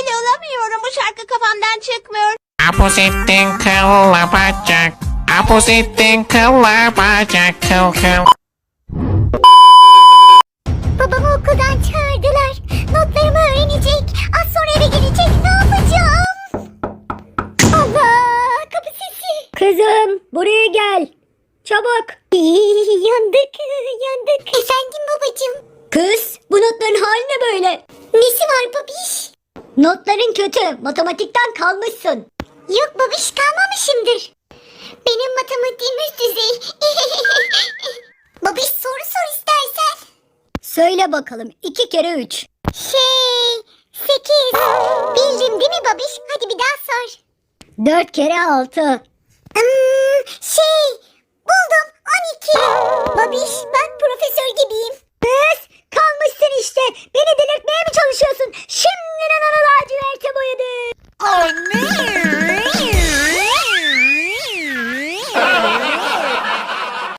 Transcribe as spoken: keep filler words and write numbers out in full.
dahil olamıyorum. Bu şarkı kafamdan çıkmıyor. Aposettin kılla bacak. Aposettin kılla bacak. Kıl kıl. Babamı okuldan çağırdılar. Notlarımı öğrenecek. Az sonra eve gelecek. Ne yapacağım? Allah! Kapı sesi. Kızım buraya gel. Çabuk. Yandık, yandık. Efendim babacığım. Kız bu notların hali ne böyle? Nesi var babiş? Notların kötü. Matematikten kalmışsın. Yok babiş, kalmamışımdır. Benim matematiğim üst düzey. Babiş, soru sor istersen. Söyle bakalım. iki kere üç. Şey, sekiz. Bildim değil mi babiş? Hadi bir daha sor. dört kere altı. Hmm, şey, buldum, on iki. Babiş, bak profesör gibiyim. Kız kalmışsın işte. Beni delirtmeye mi çalışıyorsun? Şimdiden